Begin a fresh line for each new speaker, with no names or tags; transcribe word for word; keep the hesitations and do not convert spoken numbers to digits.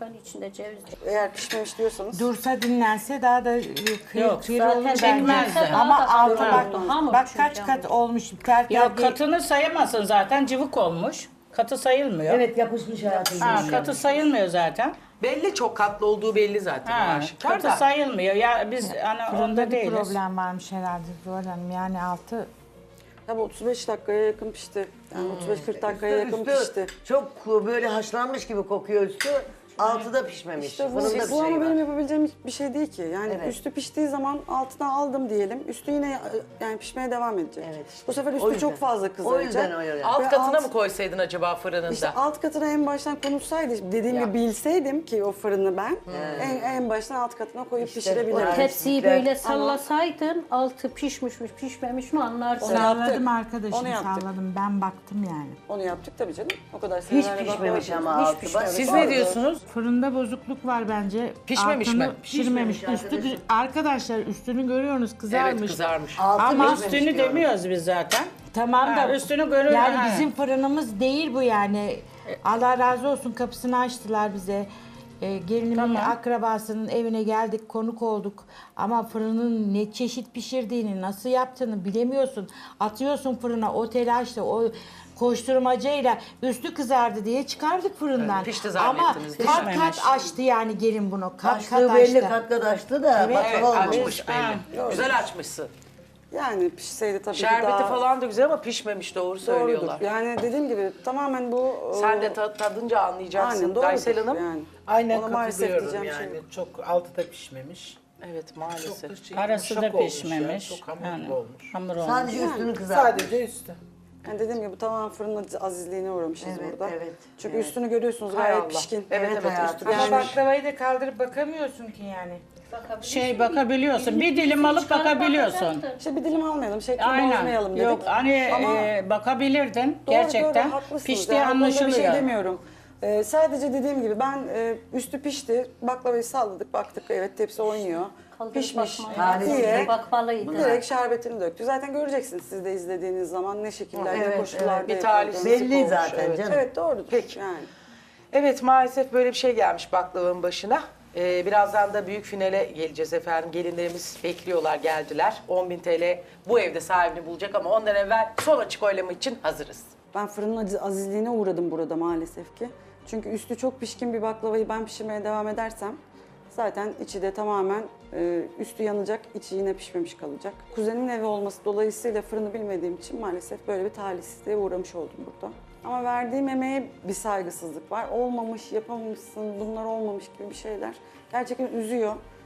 efendim içinde ceviz.
Eğer pişmemiş diyorsanız.
Dursa dinlense daha da e, kıyır
Yok,
kıyır
zaten
olur bence.
çekmez de.
Ama
Daha da
altı
hamur
bak,
oldu, hamur
bak
çünkü
kaç
hamur.
kat olmuş. Ter ter
Yok
değil.
katını sayamazsın zaten cıvık olmuş. Katı sayılmıyor.
Evet yapışmış hayatım.
Ha, katı sayılmıyor zaten.
Belli çok katlı olduğu belli zaten.
Ha,
aşikar
katı
da.
sayılmıyor. Ya biz hani
Fırında
onda
bir
değiliz.
problem varmış herhalde Zuhal Hanım. Yani altı
Tabii otuz beş dakikaya yakın pişti. Yani otuz beş kırk dakikaya yakın
Üstü
pişti.
çok böyle haşlanmış gibi kokuyor üstü. Altı da pişmemiş.
İşte bu,
Fırında bir
bu ama
şey
benim
var.
yapabileceğim bir şey değil ki. Yani
Evet.
üstü piştiği zaman altına aldım diyelim. Üstü yine yani pişmeye devam edecek.
Evet işte.
Bu sefer
O
üstü
yüzden.
çok fazla kızaracak.
O yüzden öyle.
Alt
Ve
katına
alt-
mı koysaydın acaba fırınında?
İşte alt katına en baştan konulsaydı, dediğim
Ya.
gibi bilseydim ki o fırını ben, en, en baştan alt katına koyup
İşte
pişirebilirdim.
o-
Tepsiyi
Ama-
böyle sallasaydın altı pişmiş mi pişmemiş mi anlarsın.
Onu yaptık.
salladım arkadaşım
Onu yaptık.
salladım. Ben baktım yani.
Onu yaptık tabii canım. O kadar
Hiç
senelerle
pişmemiş
baklava
ama
yapıyoruz.
altı.
Hiç
Bak-
pişmemiş.
Siz
Doğru.
ne diyorsunuz?
Fırında bozukluk var bence.
Pişmemiş
Altını
mi?
Pişirmemiş.
Pişmemiş
Üstü
arkadaşım.
arkadaşlar üstünü görüyorsunuz kızarmış.
Evet kızarmış.
Altı
Ama
pişmemiş
Üstünü
diyorum.
demiyoruz biz zaten.
Tamam
Ha,
da
üstünü görüyor-
Yani
ha.
bizim fırınımız değil bu yani. Allah razı olsun kapısını açtılar bize. Ee, gelinimin
Tamam.
akrabasının evine geldik, konuk olduk. Ama fırının ne çeşit pişirdiğini, nasıl yaptığını bilemiyorsun. Atıyorsun fırına o telaşla, o koşturmacayla üstü kızardı diye çıkardık fırından.
Evet, pişti
Ama
zannettiniz.
kat kat
Pişmemiş.
açtı yani gelin bunu. Kat
Açtığı
kat
belli
açtı.
kat kat açtı da
Evet,
Evet
baklava olmamış.
açmış belli. Güzel açmışsın.
Yani pişseydi tabii
Şerbeti
ki daha
falan da güzel ama pişmemiş doğru söylüyorlar.
doğrudur. Yani dediğim gibi tamamen bu...
Sen
e,
de ta- tadınca anlayacaksın.
Aynen doğrudur.
Gaysel Hanım.
Yani.
Aynen
Ona maalesef
katılıyorum
diyeceğim
yani.
şey yok.
Çok altı da pişmemiş.
Evet
Çok
maalesef.
da şey,
Arası
yumuşak
da
olmuş
pişmemiş.
Ya, çok hamurlu
Yani,
olmuş.
hamur olmuş.
Sadece üstünü kızartmış.
Sadece üstü.
Yani dediğim gibi tamamen fırının azizliğine uğramışız
Evet,
burada.
evet,
Çünkü
evet.
üstünü görüyorsunuz
Hay
gayet
Allah.
pişkin.
Evet, evet,
hayatım.
üstü
Ama
pişmiş.
baklavayı da kaldırıp bakamıyorsun ki yani.
Şey bakabiliyorsun. Bir dilim alıp bakabiliyorsun.
İşte bir dilim almayalım, şeklini
Aynen.
bozmayalım dedik.
Yok hani
Ama
e, bakabilirdin
doğru,
gerçekten.
doğru, haklısınız.
Piştiği
Yani o konuda
anlaşılıyor.
bir şey demiyorum. Ee, sadece dediğim gibi ben e, üstü pişti, baklavayı salladık, baktık evet tepsi oynuyor.
Kaldırıp
Pişmiş
bakmayın.
diye
Bakmalıydı.
direkt şerbetini döktü. Zaten göreceksiniz siz de izlediğiniz zaman ne şekillerde,
Evet,
koşullarda
evet. Bir
yapıldığını.
talihsizlik
Belli
olmuş,
zaten
evet.
canım.
Evet doğrudur.
Peki.
Yani.
Evet maalesef böyle bir şey gelmiş baklavanın başına. Ee, birazdan da büyük finale geleceğiz efendim. Gelinlerimiz bekliyorlar, geldiler. on bin T L bu evde sahibini bulacak ama ondan evvel son açık oylama için hazırız.
Ben fırının aziz- azizliğine uğradım burada maalesef ki. Çünkü üstü çok pişkin bir baklavayı ben pişirmeye devam edersem zaten içi de tamamen e, üstü yanacak, içi yine pişmemiş kalacak. Kuzenimin evi olması dolayısıyla fırını bilmediğim için maalesef böyle bir talihsizliğe uğramış oldum burada. Ama verdiğim emeğe bir saygısızlık var. Olmamış, yapamamışsın, bunlar olmamış gibi bir şeyler. Gerçekten üzüyor.